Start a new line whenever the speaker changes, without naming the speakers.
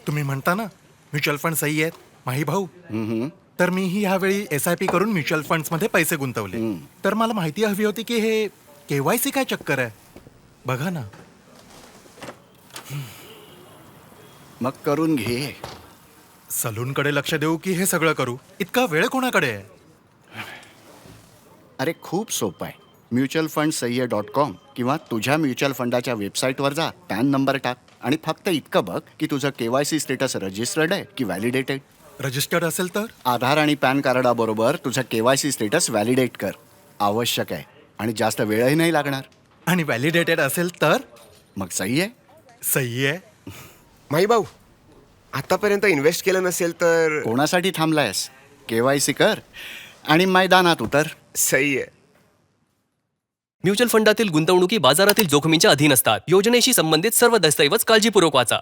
तुम्ही म्हणता ना म्युच्युअल फंड सही आहेत माही भाऊ. तर मीही ह्यावेळी SIP करून म्युच्युअल फंड्समध्ये पैसे गुंतवले. तर मला माहिती हवी होती की हे KYC काय चक्कर आहे. बघा ना.
मग करून घे.
सलूनकडे लक्ष देऊ की हे सगळं करू? इतका वेळ कोणाकडे आहे?
अरे खूप सोपं आहे. म्युच्युअल फंड सह्य .com किंवा तुझ्या म्युच्युअल फंडाच्या वेबसाईटवर जा, पॅन नंबर टाक आणि फक्त इतकं बघ की तुझं KYC स्टेटस रजिस्टर्ड आहे की व्हॅलिडेटेड.
रजिस्टर्ड असेल तर?
आधार आणि पॅन कार्डाबरोबर तुझं KYC स्टेटस व्हॅलिडेट कर. आवश्यक आहे आणि जास्त वेळही नाही लागणार.
आणि व्हॅलिडेटेड असेल तर?
मग सही आहे.
सही आहे.
माही भाऊ, आतापर्यंत इन्व्हेस्ट केलं नसेल तर
कोणासाठी थांबलायस? KYC कर आणि मैदानात उतर.
सही आहे.
म्युच्युअल फंडातील गुंतवणुकी बाजारातील जोखमींच्या अधीन असतात. योजनेशी संबंधित सर्व दस्तऐवज काळजीपूर्वक वाचा.